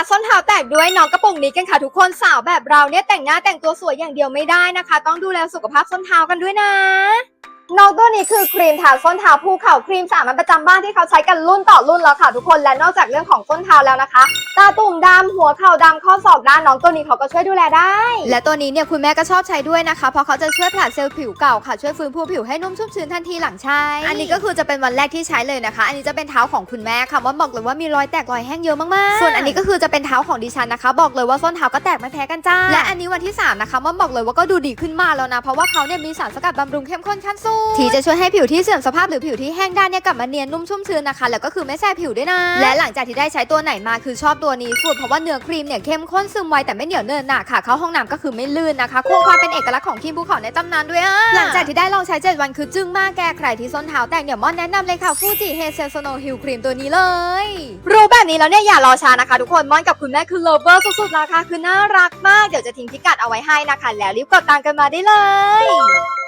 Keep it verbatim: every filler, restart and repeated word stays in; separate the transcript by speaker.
Speaker 1: ส้นเท้าแตกด้วยน้องกระปุกนี้กันค่ะทุกคนสาวแบบเราเนี่ยแต่งหน้าแต่งตัวสวยอย่างเดียวไม่ได้นะคะต้องดูแลสุขภาพส้นเท้ากันด้วยนะน้องตัวนี้คือครีมทาส้นเท้าภูเขาครีมสามัญประจำบ้านที่เขาใช้กันรุ่นต่อรุ่นแล้วค่ะทุกคนและนอกจากเรื่องของส้นเท้าแล้วนะคะตาตุ่มดำหัวเข่าดำข้อศอกด้านน้องตัวนี้เขาก็ช่วยดูแลได้และตัวนี้เนี่ยคุณแม่ก็ชอบใช้ด้วยนะคะเพราะเขาจะช่วยผลัดเซลล์ผิวเก่าค่ะช่วยฟื้นฟูผิวให้นุ่มชุ่มชื้นทันทีหลังใช้อันนี้ก็คือจะเป็นวันแรกที่ใช้เลยนะคะอันนี้จะเป็นเท้าของคุณแม่ค่ะว่าบอกเลยว่ามีรอยแตกรอยแห้งเยอะมากๆส่วนอันนี้ก็คือจะเป็นเท้าของดิฉันนะคะบอกเลยว่าส้นเท้าก็แตกไม่แพ้กันจ้าและอันนี้วันที่สามนะคะว่าบอกเลยว่าก็ดูดีขึ้นมาแล้วนะเพราะว่าเขาเนี่ยมีสารสกัดบำรุงเข้มข้นขั้นสูงที่จะช่วยให้ผิวที่เสื่อมสภาพหรือผิวที่แห้งด้านเนี่ยกลับมาเนียนนุ่มชุ่มชื้นนะคะแล้วก็คือไม่แสบผิวด้วยนะและหลังจากที่ได้ใช้ตัวไหนมาคือชอบตัวนี้สุดเพราะว่าเนื้อครีมเนี่ยเข้มข้นซึมไวแต่ไม่เหนียวเนินหนาค่ะเข้าห้องน้ำก็คือไม่ลื่นนะคะคงความเป็นเอกลักษณ์ของครีมภูเขาในตำนานด้วยอ่ะหลังจากที่ได้ลองใช้เจ็ดวันคือจึ้งมากแกใครที่ส้นเท้าแตกเนี่ยม่อนแนะนำเลยค่ะฟูจิเฮเซลโซโนฮิลครีมตัวนี้เลยรู้แบบนี้แล้วเนี่ยอย่ารอช้านะคะทุกคนม่อนกับคุณแม่คือเลิฟเวอร์สุดๆราคาคือน่ารักมากเดี๋ยวจะทิ้งพิกัดเอาไว้ให้นะคะแล้วรีบกดตามกันมาได้เลย